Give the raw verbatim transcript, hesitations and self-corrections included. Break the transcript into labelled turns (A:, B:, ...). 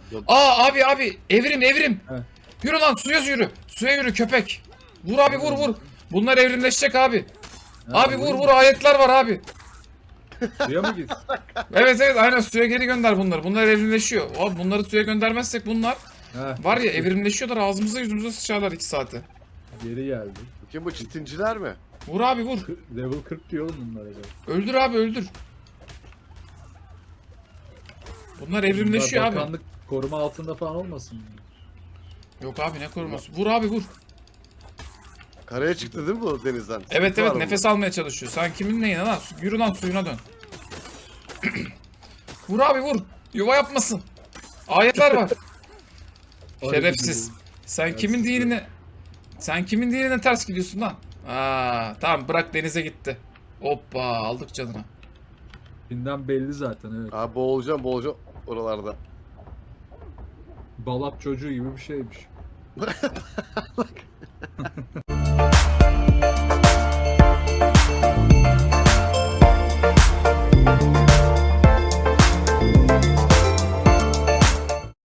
A: Yok.
B: Aa abi abi evrim evrim.
A: He.
B: Yürü lan suya yürü. Suya yürü köpek. Vur abi vur vur. Bunlar evrimleşecek abi.
A: Ha,
B: Abi vur
A: vurayım
B: vur
A: mı?
B: ayetler var abi.
A: Suya mı gitsin?
B: Evet evet aynen suya geri gönder bunları. Bunlar evrimleşiyor. Abi bunları suya göndermezsek bunlar
A: Ha,
B: var ya evrimleşiyorlar ağzımıza yüzümüze sıçarlar iki saate.
A: geri geldi.
C: Bakayım bu çitinciler mi?
B: Vur abi vur.
A: Kı- Level kırk diyor oğlum bunlara da.
B: Öldür abi öldür. Bunlar evrimleşiyor
A: Bunlar
B: abi.
A: Bakanlık koruma altında falan olmasın?
B: Yok abi ne koruması. Vur abi vur.
C: Karaya çıktı değil mi bu denizden?
B: Evet
C: Sıkıntı
B: evet
C: var
B: nefes almaya çalışıyor. Sen kimin neyine lan? Yürü lan suyuna dön. Vur abi vur. Yuva yapmasın. Ayetler var. Şerefsiz. Sen
A: Şerefsiz.
B: kimin dinine Sen kimin dinine ters gidiyorsun lan? Aa, tamam bırak denize gitti. Hoppa aldık canına.
A: Binden belli zaten evet.
C: bu? Abi boğulacağım boğulacağım oralarda.
A: Balap çocuğu gibi bir şeymiş.